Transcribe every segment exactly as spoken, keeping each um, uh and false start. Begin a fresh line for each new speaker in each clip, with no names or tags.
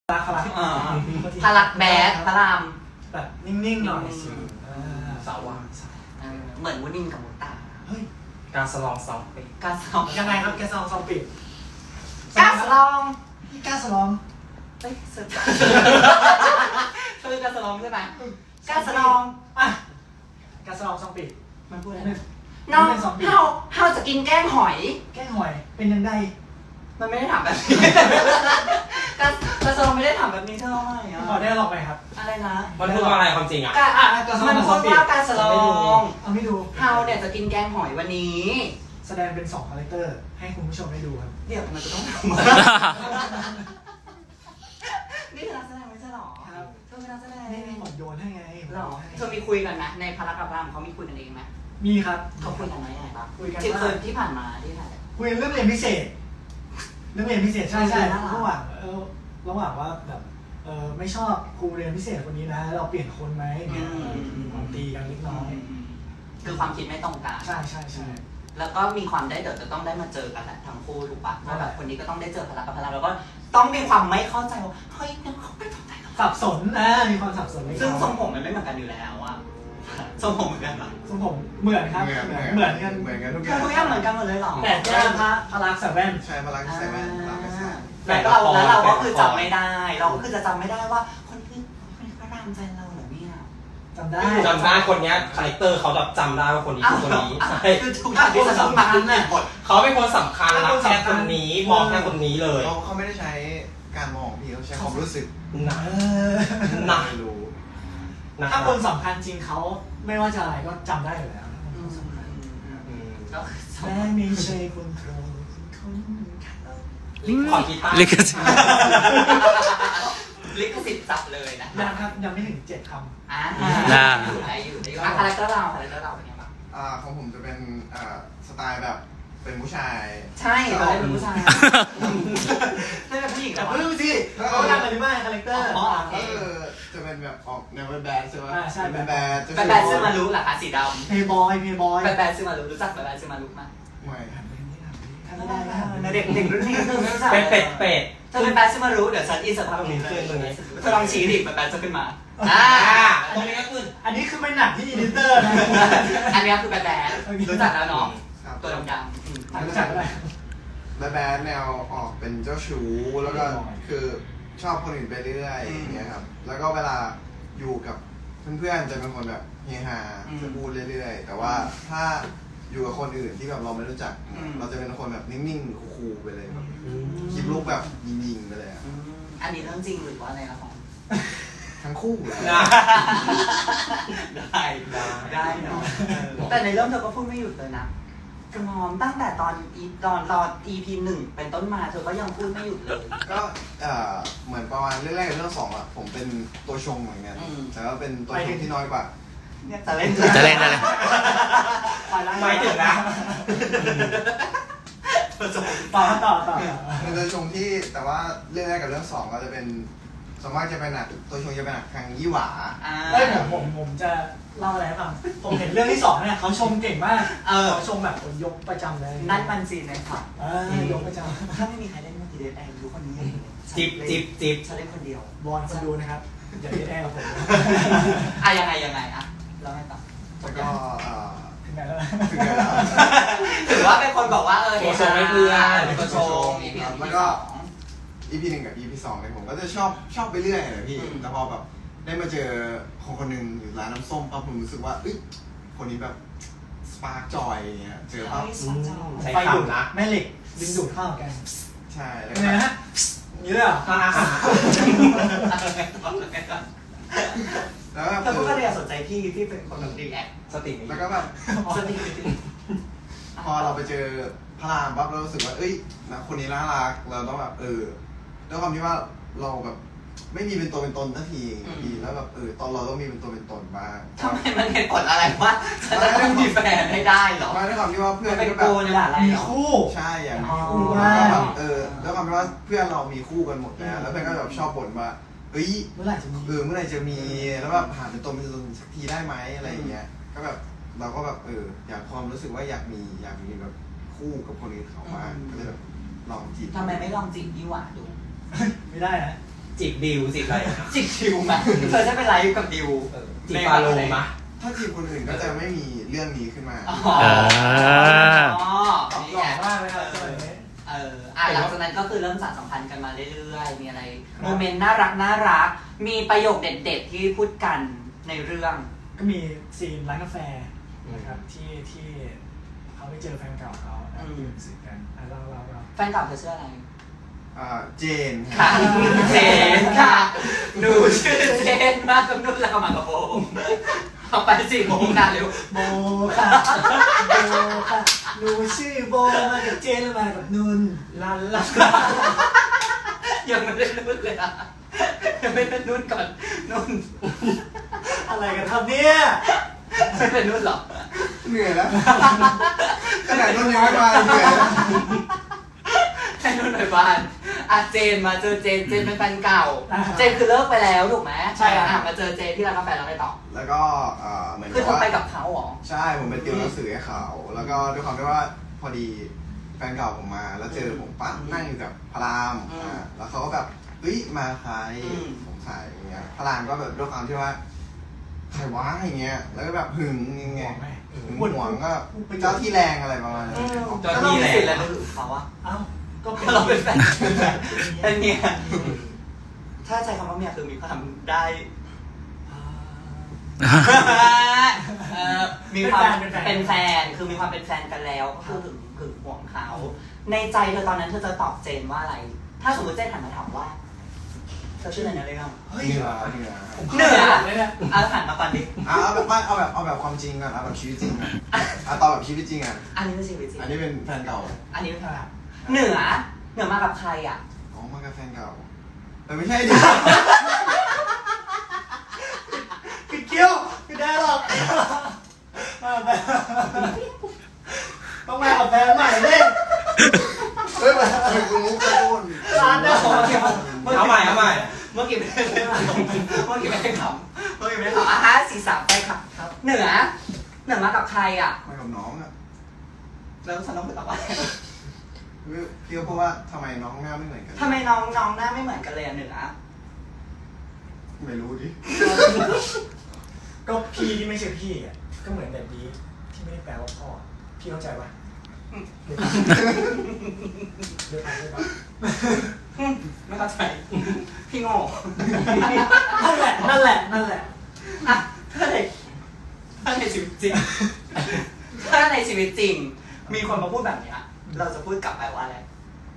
พลักพลัก
พลักแบดพระราม
แบบนิ่งๆหน่อย
สาวว่า
เหมือนวุ้นินกับมุตตา
เฮ้ย
การสลองซองปิด
การสลอง
ยังไงครับแกสลองซองปิด
การสลอง
นี่การสลอง
เฮ้ยเสร็จคือการสลองใช่ไหมการสลอง
อ่ะการสลองซองปิด
มันพูดอะไรน้องเฮาเฮาจะกินแกงหอย
แกงหอยเป็นยังไง
มันไม่ได้ถามแบบนี้การการสลองไม่ได้ถามแบบนี้เท่าไหร่อ่ะ
ขอได้หรอกไหมครับ
อะไรนะ
มันพูดว่าอะไรความจริงอ่ะ
มันพูดว่าการสลอง
เอาไม่ดู
เฮาเนี่ยจะกินแกงหอยวันนี้
แสดงเป็นสองคาแรคเตอร์ให้คุณผู้ชมได้ดูครับ
เดี๋ยวมันจะต้องทำนี่คือนักแสดงไม่ใช่หรอ
ครับ
เธอเป็นนักแสดง
นี่ผมโยนให้ไง
หรอเธอมีคุยกันนะในพารากับรามเขามีคุยกันเองไหม
มีครับ
เขาคุยกันไหมยังไงบ้าง
คุยกัน
ที่เคยที่ผ่านมาที่ไหน
คุยเรื่องเรียนพิเศษเรื่องเรียนพิเศษใช่ใช่ระหว่างเออระหว่างว่าแบบเออไม่ชอบครูเรียนพิเศษคนนี้นะเราเปลี่ยนคนไหมเนี่ยความตีกันเล็กน้อย
คือความคิดไม่ตรงกัน
ใช่ใช่ใช่
แล้วก็มีความได้เดี๋ยวจะต้องได้มาเจอกันแหละทั้งคู่ถูกปะว่าแบบคนนี้ก็ต้องได้เจอพลังกับพลังแล้วก็ต้องมีความไม่เข้าใจว่าเฮ้ยเนี่ยเขาเป็นแบบไหน
สับสนนะมีความสับสน
ซึ่งทรงผมมันไม่เหมือนกันอยู่แล้วอะทรงผมเหมือนกันปะ
ทรงผมเหมือนครับเหมือนกัน
เหมือนกันทุกอ
ย่างทุกอย่างเหมือนกันหมดเลยหรอ
แต่แค่พระพลักใส่แว่น
ใช่พลักใส่แว่นพลักใส่
แต่เราแล้วเราก็คือจำไม่ได้เราก็คือจะจำไม่ได้ว่าคนนี้คนนี้พระรามใจเราเหรอเนี่ย
จำได้
จำได้คนนี้คาแรคเตอร์เขาแบบจำได้ว่าคนนี้คือคนนี้ใช่
คือทุกอย่างที่สำคัญเนี่ย
เขาเป็นคนสำคัญรักแค่คนนี้มองแค่คนนี้เลย
เขาเขาไม่ได้ใช้การมองพี่เขาใช้ความรู้สึก
นะนะ
รู้
ถ้าคนสำคัญจริงเขาไม่ว่าจะอะไรก็จำได้อยู่แล้วแม่ไม่ใช่คนโกรธคน
ขอกีตาร์
ลิขสิทธิ์
ลิขสิทธิ์จับเลยนะ
ยังครับยังไม่ถึงเจ็ดคำ
อ่าอยู่ได้อยู่ได้คาแรคเตอร์เราคาแรคเตอร์เราเป็นไงบ้าง
อ่าของผมจะเป็นอ่าสไตล์แบบเป็นผู้ชาย
ใช่เราเป็นผู้ชายไม่เป็นผู้หญิง
แต่เพิ่งสิเขาทำอะไรบ้างคาแรคเตอร์
ก็คือจะเป็นแบบออกแนวแบดใช่ไหม
ใช่
เป็นแบด
แบดซื้อมารู้หรอคะสีดำ
เพย์บอยเพย์บอย
แบดซื้อมารู้รู้จักแบดซื้อมารู้ไหม
ไม่
ไม่ได้
นะเด็กเด็กรุ่นนี้คือไม่รู้จัก
เป็ดเป็ดเป็ด
เธอเป็นแบดซื้อมารู้เดี๋ยวฉันอินสตาแกรมนี้เลยเธอลองชี้ดิแบดจะขึ้นมา
อ่าตรงนี้ก็คือ
อันนี้คือไม่หนักที่อีดิเตอร์นะ
อันนี้คือแบดแบดรู้จักแล้วเนาะตัวดำ
ๆรู้จักอะไร
แบดแบดแนวออกเป็นเจ้าชู้แล้วก็คือชอบคนอื่นไปเรื่อยอย่างเงี้ยครับแล้วก็เวลาอยู่กับเพื่อนๆจะเป็นคนแบบเฮฮาจะพูดเรื่อยๆแต่ว่าถ้าอยู่กับคนอื่นที่แบบเราไม่รู้จักเราจะเป็นคนแบบนิ่งๆคูลๆไปเลยแบบคลิปลุกแบบยิงๆไปเลยอ่ะ
อันนี้เรื่องจริงหรือว่าอะไรละของ
ทั้งคู่เลย
ได้ได้ได้เนาะแต่ในเรื่องเธอก็พูดไม่หยุดเลยนะกระมอมตั้งแต่ตอนอีตอนตอน อี พี หนึ่งเป็นต้นมาเธอก็ยังพูดไม่หยุดเลย
ก็เอ่อเหมือนประมาณเรื่องแรกกับเรื่องสองอ่ะผมเป็นตัวชงเหมือนกันแต่ว่าเป็นตัวชงที่น้อยกว่า
จะเล่น
จะเล่นจะเล่น
ไม่ถึงนะ
ต่อต่อต่อ
เป็นตัวชงที่แต่ว่าเรื่องแรกกับเรื่องสองก็จะเป็นสมมติจะเป็นหนักตัวชงจะเป็นหนักทางยี่หวา
เอ้ยผมผมผมจะเล่าอะไรให้ฟังผมเห็นเรื่องที่สองเนี่ยเขาชมเก่งมากเขาชมแบบยกประจำเลย
นั่นมันซีนเลยค่ะ
ยกประจำ
ถ้าไม่มีใครเล่นก็ทีเด็ดแองดูคนนี้
จิบจิบจิบ
ฉันเล่นคนเดียว
บอลคนดูนะครับอย่าเล่นแอร์กับผม
อ่ะยังไงยังไงอ่ะเราให้ต่อ
แล้วก็
ถึงไหนแล้ว
ถึงไหนแล้ว
ถือว่าเป็นคนบอกว่าเออ
ตัวชงไม่เพื่อน
ตัวชงแล้วก็ อี พี หนึ่งกับ อี พี สองเนี่ยผมก็จะชอบชอบไปเรื่อยเลยพี่แต่พอแบบได้มาเจอคนคนหนึ่งอยู่ร้านน้ำส้มปั๊บผมรู้สึกว่าเอ้ยคนนี้แบบสปาร์กจอยอย่างเงี้ยเจอปั๊บ
ไฟดูดนะแม่เหล็กดึงดูดเข้ากัน
ใช่
แล้วไงฮะนี่เลยอ่ะ
แล้วแบบ
แต่พวกก็เลยสนใจพี่ที่เป็นคนแบบดีแอค
สติ
แล้วก็แบบ
สติ
พอเราไปเจอพระรามปั๊บเรารู้สึกว่าเอ้ยนะคนนี้น่ารักเราต้องแบบเออด้วยความที่ว่าเราแบบไม่มีเป็นตัวเป็นตนสักทีทีแล้วแบบเออตอนเราต้องมีเป็นตัวเป็นตนบ้าง
ทำไมมันเหตุผลอะไรวะฉันจะต้องมีแฟนให้ได้หรอ
มาด้วยความที่ว่าเพื่อน
ก็แบบ
มีคู่
ใช่อย่างมีคู่แล้วแบบเออด้วยความที่ว่าเพื่อนเรามีคู่กันหมดแล้วแล้วเพื่อนก็แบบชอบบ่นว่าเฮ้ย
เมื่อไหร่จะมี
เออเมื่อไหร่จะมีแล้วแบบหาเป็นตัวเป็นตนสักทีได้ไหมอะไรอย่างเงี้ยก็แบบเราก็แบบเอออยากความรู้สึกว่าอยากมีอยากมีแบบคู่กับคนอื่นเขาบ้างก็เลยแบบลองจีบ
ทำไมไม่ลองจีบยี่หว่าดู
ไม่ได้นะ
จีบดิวจีบอะไร
จิกดิวไหมเธอจะไปไลฟ์กับดิว
เออจีบฟาโลมะ
ถ้าจีบคนอื่นก็จะไม่มีเรื่องนี้ขึ้นมา
อ๋อ
อ่า
ตอบ
นี่
หล่อ
ไง
มากเลยครับสมัยนี้
เอออ่ะหลังจากนั้นก็คือเริ่มสานสัมพันธ์กันมาเรื่อยๆ มีอะไรโมเมนต์น่ารักน่ารัก มีประโยคเด็ดๆ ที่พูดกันในเรื่อง
ก็มีซีนร้านกาแฟนะครับที่ที่เขาไปเจอแฟนเก่าเขานะ
อืม
ยืนสึกกันอ่ะเราเราเรา
แฟนเก่าเธอชื่ออะไร
อ่าเจน
ค่ะเจนค่ะหนูชื่อเจนมากกับนุ่นแล้วก็มากับโบเอาไปสี่โมงนะเร็ว
โบค่ะโบค่ะหนูชื่อโบมากับเจนแล้วมากับนุ่นลันลัน
ยังไม่ได้นุ่นเลยอ่ะยังไม่ได้นุ่นก่อนนุ่น
อะไรกันครับเนี่ย
ไม่เป็นนุ่นหรอ
เหนื่อยแล้วขนาดนุ่นยังไม่มาเหนื่อยแล้ว
ให้นุ่นหน่อยบ้านอ่ะเจนมาเจอเจนเจนเป็นแฟนเก่า เจนคือเลิกไปแล้วถูกไหมใช่อ่ะมาเจอเจนที่ร้านกาแฟแล้วไปต่อ
แล้วก็เอ่อเหมือน
คือ
กับ
เธอ
ว่า
ไปกับเขาเหรอ
ใช่ผมไปติวหนังสือให้เขา แล้วก็ด้วยความที่ว่าพอดีแฟนเก่าผมมา แล้วเจอผมปั๊บนั่งอยู่กับพระราม
อืม
อ่าแล้วเขาก็แบบเฮ้ยมาใคร
อืม
ผมใส่อย่างเงี้ยพระรามก็แบบด้วยความที่ว่าใครวะอย่างเงี้ยแล้วก็แบบหึงยังไง
บอกไหม
หึงหวงก็เจ้าที่แรงอะไรประมาณนั้น
ก็ต้องมีสิทธิ์แล้วนึกถึงเขาอะ
เอ้าก็เป็น
เราเป็นแฟนเป็นเมียถ้าใช้คำว่าเมียคือมีความได้
อ่า
เออมีความ
เป็นแฟน
เป็นแฟนคือมีความเป็นแฟนกันแล้วก็คือถึงถึงห่วงเขาในใจเธอตอนนั้นเธอจะตอบเจนว่าอะไร ถ้าสมมติเจนหันมาถามว่าเธอชื่ออะไรนะเรื่อง
เฮ้ย
เหนือเหนือ
เหนือ
เลยเนี่ย
เอาหันมาก่อนดิ
เอาเอาแบบไม่เอาแบบเอาแบบความจริงก่อนเอาแบบชีวิตจริงก่อนเอาตอนแบบชีวิตจริงอ่ะ
อันนี้เป็นชีวิตจริง
อันนี้เป็นแฟนเก่า
อันนี้เป็นใครอะเหนือเหนือมากับใครอ่ะ
อ๋อมากับแฟนเก่าแต่ไม่ใช่ดิ
ปิดเกี้ยวไม่ได้หรอกมาแบบ ต้องมากับแฟนใหม่เล่น
เฮ้ยมันเป็นมุกกระตุ้น
ร้านเดียว
เอาใหม่เอาใหม่
เมื่อกี้ไม่ได้เมื่อกี้ไม่ได้ขำเมื่อกี้ไม่ได้ขำอ่ะฮะสี่สามไปค่ะ
ครับ
เหนือเหนือมากับใครอ่ะ
มากับน้องอ่ะ
แล้วฉันต้องไปตอบว่า
พี่ก็เพราะว่าทำไมน้องหน้าไม่เหมือนกัน
ทำไมน้องน้องหน้าไม่เหมือนกันเลยอ่ะเหนือ
ไม่รู้ดิ
ก็พี่ที่ไม่ใช่พี่อ่ะก็เหมือนแบบนี้ที่ไม่ได้แปลว่าพ่อพี่เข้าใจปะเดี๋ยวเดี๋ยวเดี๋ยว
ไม่เข้าใจพี่โง่
นั่นแหละนั่นแหละนั่นแหละ
อ่ะถ้าในถ้าในชีวิตจริงถ้าในชีวิตจริง มีคนมาพูดแบบเนี้ยเราจะพูดกลับไปว่าอะไร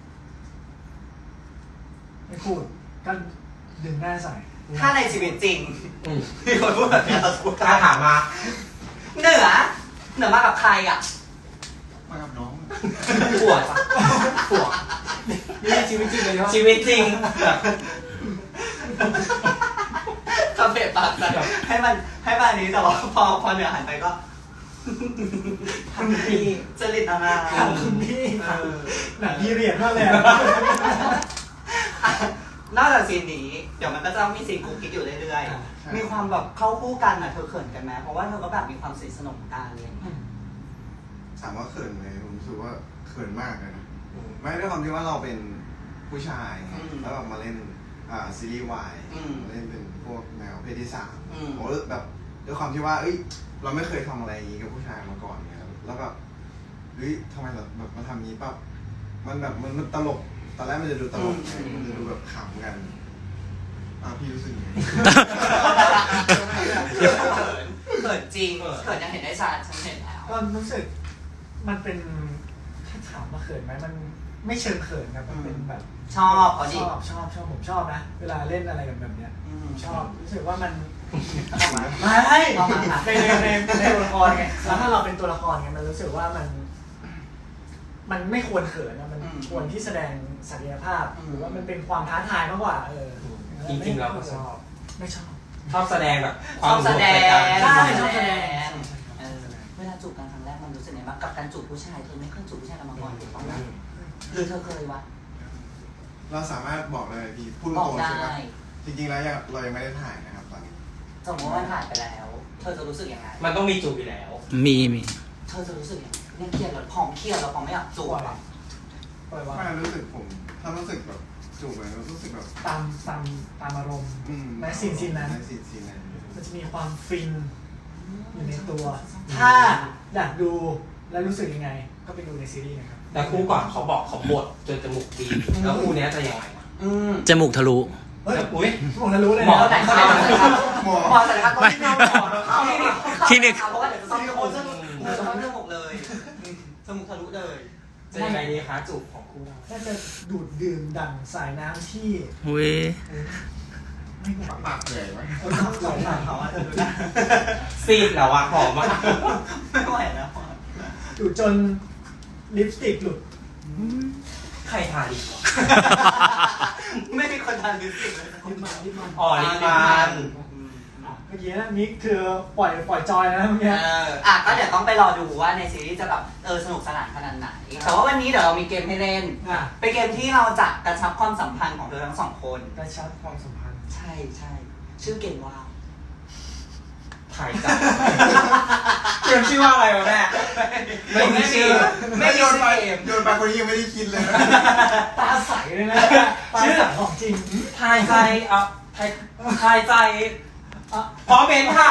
ไม่พูดก็ดึงหน้าใส่
ถ้าในชีวิตจริง
อืม
มีคนพูดแบบเนี้ยเราจะพูดกลับ
ถ้าถามมา
เหนือเหนือมากับใครอ่ะ
มากับน้อง
ปวดปวด
นี่ชีวิตจริงเลยเนาะ
ชีวิตจริงแบบ
คาเฟ่ปากใส่ให้มันให้มันอันนี้แต่ว่าพอพอเหนือหันไปก็
คุณพี่
จริตนานา
ถามคุณพี่
เออ
หนังพี่เรียนนั่นแหละ
อ่ะนอกจากซีนนี้ เดี๋ยวมันก็จะต้องมีซีนกุ๊กกิ๊กอยู่เรื่อยๆ มีความแบบเข้าคู่กันอ่ะเธอเขินกันไหมเพราะว่าเธอก็แบบมีความสนิทสนมกันอะไรอย่างเงี้ย
ถามว่าเขินไหมผมรู้สึกว่าเขินมากเลยนะไม่ด้วยความที่ว่าเราเป็นผู้ชายไง
อืม
แล้วแบบมาเล่นอ่าซีรีส์วาย
อืม
มาเล่นเป็นพวกแนวเพศที่สาม
อืม
ผมก็แบบด้วยความที่ว่าเอ้ยเราไม่เคยทำอะไรอย่างนี้กับผู้ชายมาก่อนไงแล้วแบบเฮ้ยทำไมแบบแบบมาทำอย่างนี้ปั๊บมันแบบมันมันตลกตอนแรกมันจะดูตลกไงมันจะดูแบบขำกันอ่ะพี่รู้สึกยังไง
เขินเขินจริงเขินยังเห็นได้ชัดฉันเห็นแล้ว
ก็รู้สึกมันเป็นถ้าถามว่าเขินไหมมันไม่เชิงเขินครับมันเป็นแบบ
ชอบเขา
ช
ดิ
อบชอบชอบผมชอบนะเวลาเล่นอะไรแบบเนี้ย
อืม
ชอบรู้สึกว่ามัน
เอามา
ไม่
เอามาค่ะ
ในในในในตัวละครไงแล้วถ้าเราเป็นตัวละครไงมันรู้สึกว่ามัน มันไม่ควรเขินนะมันควรที่แสดงศักยภาพหรือว่ามันเป็นความท้าทายมากกว่าเออ
จริงๆเราก็ชอบ
ไม่ชอบ
ชอบแสดงแบบค
ช
วาม
อบแสดง
ใช่
ช
ช
อ
อ
บบ แส
แส
ด
ด
ง
ง
เออเวลาจูบกันครั้งแรกมันรู้สึกไงบ้างกับการจูบผู้ชายเธอไม่เคยจูบผู้ชายกันมาก่อนถูกต้องไหมหรือเธอเคยวะ
เราสามารถบอกเลยพี่พูด
บอ
ต
ก
รงๆ
ได้
ใช่ไหมจริงๆแล้วยังเรายังไม่ได้ถ่ายนะครับตอนนี้
สมมติว่ามันผ่านไปแล้ว เธอจะรู้สึกยังไง
มันต้องมีจูบอยู่แล้ว
มีมี
เธอจะรู้สึกยังไงเนี่ยเครียดแล้วพองเครียดแล้วพองไม่อยากจูบอ่ะ
ปล่อยว่า
ไม่รู้สึกผมถ้ารู้สึกแบบจูบไปแล้วรู้สึกแบบ
ตามตามตามอารมณ์
อืม
แม้ซีนซีนนั้น
แม้ซีนซีนนั้น
มันจะมีความฟินอยู่ในตัว
อืม
ถ้าอยากดูแล้วรู้สึกยังไง ก็ไปดูในซีรีส์นะครับ
แต่คู่ก่อนเขาบอกเขาบดจนจมูกดีแล้วคู่เนี้ยจะยังไงวะ
อืม
จมูกทะลุ
เฮ้ย
อุ้ย
ผมจะรู้เลย
หมอ
นะ
ไหนเข้าไหนครับ
หมอ
หมอไหนครับตอนที่เราหมอเข้าที่นี่
คลินิก
เพราะว่าเดี๋ยวจะต้องโค้ชจมูกเออต้องจมูกเลยจมูกทะลุเลย
จะยังไงดีคะจูบของคู่เรา
น่าจะดูดดื่มดั่งสายน้ำที่
อุ้ย
ไม่หวาน
ปากใหญ่ไหม
เออครับไหลหลัง
เขาอาจจะดูได้
ซีดแล้วอะหอมมาก
ไม่ไหวแล้ว
ดูดจนลิปสติกหลุด
ใครทาดีวะ
ไม่มีคนทานลิปสติกเลย
ลิปมันลิปมัน
อ๋อลิปมัน
เมื่อกี้นะมิกคือปล่อยปล่อยจอยนะเมื่อ
เอ
กี้
ออ่ะก็เดี๋ยวต้องไปรอดูว่าในซีรีส์จะแบบเออสนุกสนานขนาดไหน แต่ว่าวันนี้เดี๋ยวเรามีเกมให้เล่น
อ่ะ
เป็นเกมที่เราจะกระชับความสัมพันธ์ของเธอทั้งสองคน
กระชับความสัมพันธ์
ใช่ใช่ชื่อเกมว่า
ถ่ายจ้ะเกมชื่อว่าอะไรวะแม่ไม่มีชื่อ
ไม่มี
โยนไป
เกม
โยนไปคนนี้ยังไม่ได้คิดเลย
ตาใสเลยนะตา
ชื่อ
ใสของจริง
ทายใจเอ่ะทายทายใจ
อ่ะ
พร้อมเป็นค่ะ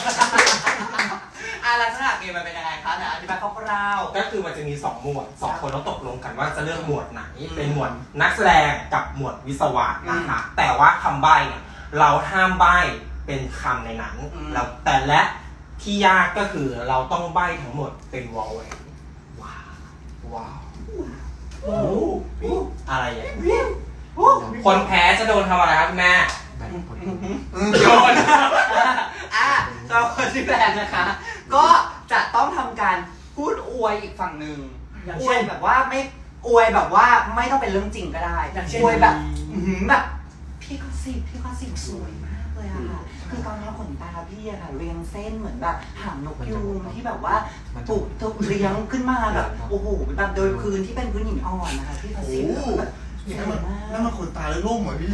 อ่ะลักษณะเกมมันเป็นยังไงคะเนี่ยอธิบายคร่าว
ก็คือมันจะมีสองหมวดสองคนต้องตกลงกันว่าจะเลือกหมวดไหน เป็นหมวดนักแสดงกับหมวดวิศวะนะคะแต่ว่าคำใบ้เนี่ยเราห้ามใบ้เป็นคำในนั้นเราแต่และที่ยากก็คือเราต้องใบ้ทั้งหมดเป็นวอลเวนว้าวว้าว
โอ้โห
อะไรอย่างเงี้ยคนแพ้จะโดนทำอะไรครับคุณแม่
ๆโยนอ่ะสำหรับคนที่แพ้นะคะ ก็จะต้องทำการพูดอวยอีกฝั่งหนึ่ง
อย่าง
อว
เช่
ย
น
แบบว่าไม่อวยแบบว่าไม่ต้องเป็นเรื่องจริงก็ได้
อย่างเช่น
อวยแบบอื้อหือแบบพี่ก็สิพี่ก็สิสวยมากเลยอะค่ะคือตอนนี้ขนตาพี่อะค่ะเรียงเส้นเหมือนแบบหางนกยูงที่แบบว่าปลูกถูกเลี้ยงขึ้นมาแบบโอ้โหแบบโดยพื้นที่เป็นพื้นหินอ่อนนะคะพี่ก็
โอ้
สิ
โห
แบบส
นี่
วย
มัน
มาก
นั่นมันขนตาแล้วล่มเหรอพี่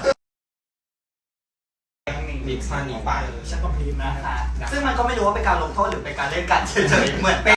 ดิฟชันนี้ไป
ฉันก็พรีมนะ
นะคะซึ่งมันก็ไม่รู้ว่าเป็นการลงโทษหรือเป็นการเล่นกันเฉยๆเหมือนเป็น